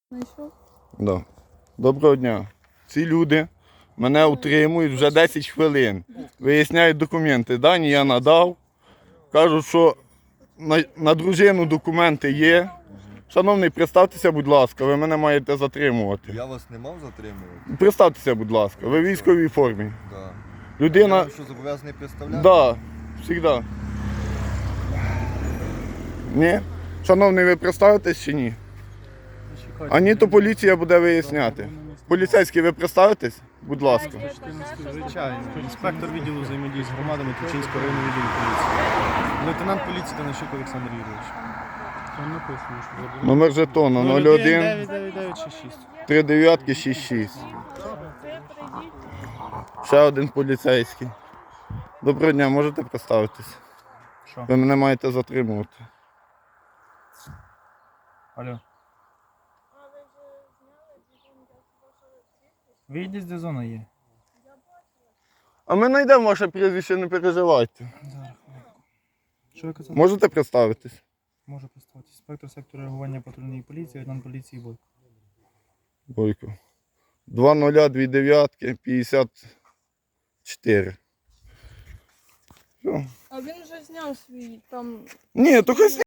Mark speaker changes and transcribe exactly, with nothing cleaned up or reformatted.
Speaker 1: Знайшов?
Speaker 2: Да. Доброго дня. Ці люди мене утримують вже десять хвилин. Виясняють документи. Дані я надав. Кажуть, що на, на дружину документи є. Шановний, представтеся, будь ласка, ви мене маєте затримувати.
Speaker 3: Я вас не мав затримувати?
Speaker 2: Представтеся, будь ласка, ви в військовій формі.
Speaker 3: Да.
Speaker 2: Людина...
Speaker 3: Я вам що, зобов'язаний представляти?
Speaker 2: Да, завжди. Ні? Шановний, ви представитесь чи ні? А ні, то поліція буде виясняти. Поліцейський, ви представитесь? Будь ласка.
Speaker 4: Звичайно. Інспектор відділу взаємодії з громадами Тульчинського районного відділу поліції. Лейтенант поліції Танащук Олександр Юрійович. Там написано, що заборонено.
Speaker 2: Номер жетону нуль один
Speaker 4: дев'ять дев'ять дев'ять шість шість.
Speaker 2: три дев'ять шість шість. Ще один поліцейський. Доброго дня, можете представитись?
Speaker 4: Що?
Speaker 2: Ви мене маєте затримувати.
Speaker 4: Алло. Вийдіть, де зона є.
Speaker 2: А ми знайдемо ваше прізвище, не переживайте.
Speaker 4: Що ви казали?
Speaker 2: Можете представитись?
Speaker 4: Можу представитися. Інспектор сектору реагування патрульної поліції, лейтенант поліції Бойко.
Speaker 2: Бойко. два нуль два дев'ять п'ятдесят чотири. Все.
Speaker 1: А він вже зняв свій там.
Speaker 2: Ні, то хай